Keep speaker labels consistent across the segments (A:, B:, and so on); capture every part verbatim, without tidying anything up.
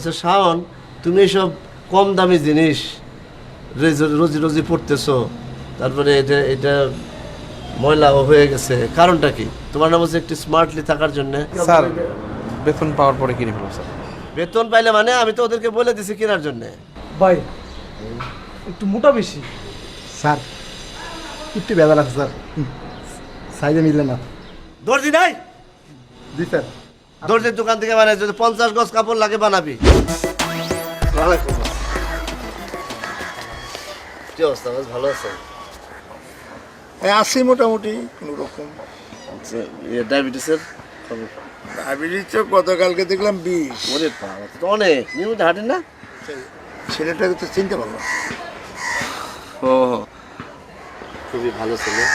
A: আচ্ছা শাওন, তুমি এসব কম দামি জিনিস রোজি রোজি পড়তেছো, তারপরে এটা এটা ময়লাও হয়ে গেছে, কারণটা কি? তোমার নাম হচ্ছে একটু স্মার্টলি থাকার জন্য।
B: স্যার বেতন পাওয়ার পরে কিনে ফেলবো স্যার।
A: বেতন পাইলে মানে? আমি তো ওদেরকে বলে দিছি কেনার জন্য।
C: ভাই একটু মোটা বেশি।
D: স্যার একটু বেজাল আছে স্যার, সাইজে মিললে না।
A: দর্জি নাই?
D: জি স্যার।
A: দর্জির দোকান থেকে মানে যদি পঞ্চাশ গজ কাপড় লাগে বানাবি। কি অবস্থা? বেশ ভালো আছে?
E: আসি মোটামুটি কোনো রকম।
A: ডায়াবেটিসের খবর?
E: ডায়াবেটিস তো গতকালকে দেখলাম বিষ।
A: ওরে বাবা, তো অনেক নিয়মিত হাঁটেন না?
E: ছেলেটাকে তো চিনতে পারলাম।
A: ও খুবই ভালো ছেলে,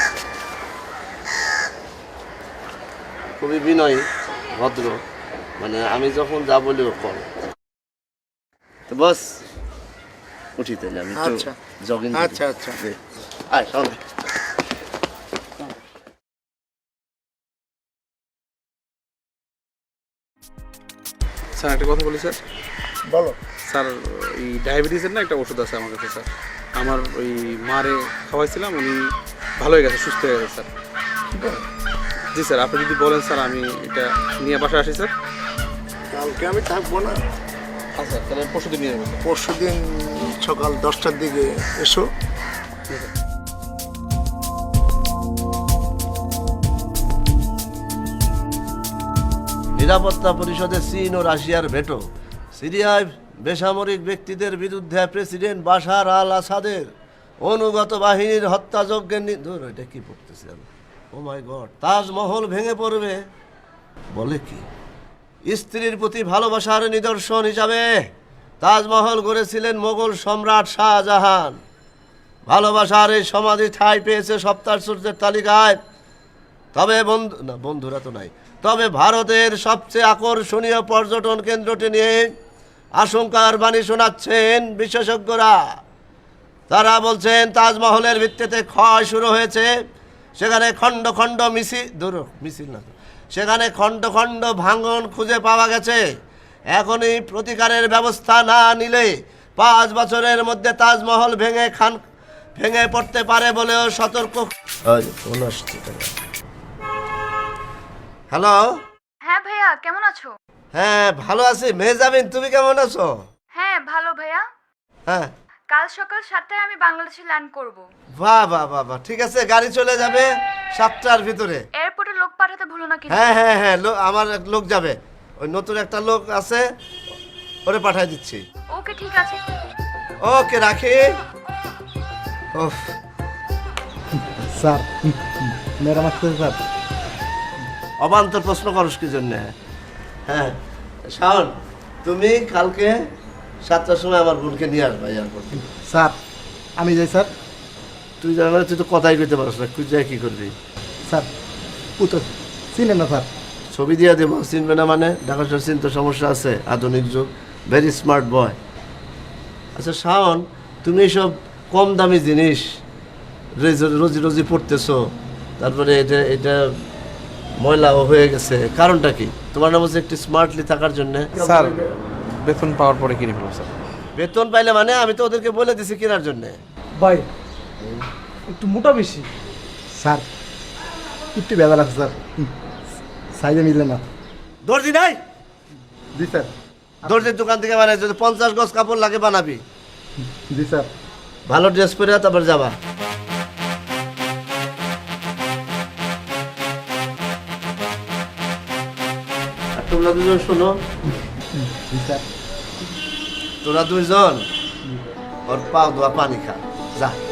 A: খুবই বিনয়ী ভদ্র, মানে আমি যখন যা বলি ও করে। তো বস উঠি তাহলে, আমি
E: আচ্ছা
A: জগিং।
E: আচ্ছা আচ্ছা
A: আয় সঙ্গে।
B: স্যার একটা কথা বলি স্যার।
E: বলো।
B: স্যার এই ডায়াবেটিসের না একটা ওষুধ আছে আমার কাছে স্যার। আমার ওই মারে খাওয়াইছিলাম, উনি ভালো হয়ে গেছে, সুস্থ হয়ে গেছে স্যার। জি স্যার, আপনি যদি বলেন স্যার আমি এটা নিয়ে বাসায় আসি স্যার।
E: কালকে আমি থাকবো না,
B: আচ্ছা তাহলে পরশু দিন নিয়ে যাবেন।
E: পরশু দিন সকাল দশটার দিকে এসো।
A: নিরাপত্তা পরিষদে চীন ও রাশিয়ার ভেটো, সিরিয়ায় বেসামরিক ব্যক্তিদের বিরুদ্ধে প্রেসিডেন্ট বাশার আল আসাদের অনুগত বাহিনীর হত্যাযজ্ঞের নিন্দন। এটা কি পড়তেছে আমি? ও মাই গড! তাজমহল ভেঙে পড়বে বলে কি? স্ত্রীর প্রতি ভালোবাসার নিদর্শন হিসাবে তাজমহল গড়েছিলেন মোগল সম্রাট শাহজাহান। ভালোবাসার এই সমাধি ঠাঁই পেয়েছে সপ্তাশ্চর্যের তালিকায়। তবে বন্ধু না, বন্ধুরা তো নাই। তবে ভারতের সবচেয়ে আকর্ষণীয় পর্যটন কেন্দ্রটি নিয়ে আশঙ্কার বাণী শোনাচ্ছেন বিশেষজ্ঞরা। তারা বলছেন তাজমহলের ভিত্তিতে ক্ষয় শুরু হয়েছে, সেখানে খণ্ড খণ্ড মিছিল দূর মিছিল না সেখানে খণ্ড খণ্ড ভাঙন খুঁজে পাওয়া গেছে। এখনই প্রতিকারের ব্যবস্থা না নিলে পাঁচ বছরের মধ্যে তাজমহল ভেঙে খান ভেঙে পড়তে পারে বলেও সতর্ক। হ্যালো।
F: হ্যাঁ ভাইয়া, কেমন আছো?
A: হ্যাঁ ভালো আছি। মেহজাবিন, তুমি কেমন আছো?
F: হ্যাঁ ভালো ভাইয়া।
A: হ্যাঁ
F: কাল সকাল সাতটায় আমি বাংলাদেশে ল্যান্ড করব।
A: বাহ বাহ বাহ বাহ, ঠিক আছে, গাড়ি চলে যাবে সাতটার ভিতরে।
F: এয়ারপোর্টে লোক পাঠাতে ভুলো না কিন্তু।
A: হ্যাঁ হ্যাঁ হ্যাঁ, লো- আমার এক লোক যাবে, ওই নতুন একটা লোক আছে, ওরে পাঠিয়ে দিচ্ছি।
F: ওকে ঠিক আছে।
A: ওকে রাখি। ওহ,
D: স্যার ম্যাডাম আসতেছে স্যার।
A: অবান্তর প্রশ্ন করস কি জন্য? হ্যাঁ শাওন, তুমি কালকে সাতটার সময় আমার বোনকে নিয়ে আসবা এয়ারপোর্ট থেকে।
D: স্যার আমি যাই স্যার।
A: তুই জানো তুই তো কথাই কইতে পারস না, তুই যাই কি করবি?
D: স্যার পুতো চিনেন না স্যার?
A: ছবি দিয়ে দেবো, চিনবে না মানে? ঢাকা শহর চিনতে সমস্যা আছে, আধুনিক যুগ, ভেরি স্মার্ট বয়। আচ্ছা শাওন, তুমি এসব কম দামি জিনিস রোজি রোজি পড়তেছো, তারপরে এটা এটা ময়লাও হয়ে গেছে, কারণটা কি? তোমার নাম হচ্ছে একটু স্মার্টলি থাকার জন্য।
B: স্যার বেতন পাওয়ার পরে কিনে ফেলবো স্যার।
A: বেতন পাইলে মানে? আমি তো ওদেরকে বলে দিছি কেনার জন্য।
C: ভাই একটু মোটা বেশি।
D: স্যার একটু বেজাল আছে স্যার, সাইজে মিললে না।
A: দর্জি নাই?
D: জি স্যার।
A: দর্জির দোকান থেকে মানে যদি পঞ্চাশ গজ কাপড় লাগে বানাবি।
D: জি স্যার।
A: ভালো ড্রেস পরে তারপর যাবা। আর তোমরা দুজন শোনো,
D: জি স্যার।
A: তোরা দুইজন ওর পাও ধোয়া পানি খা, যা।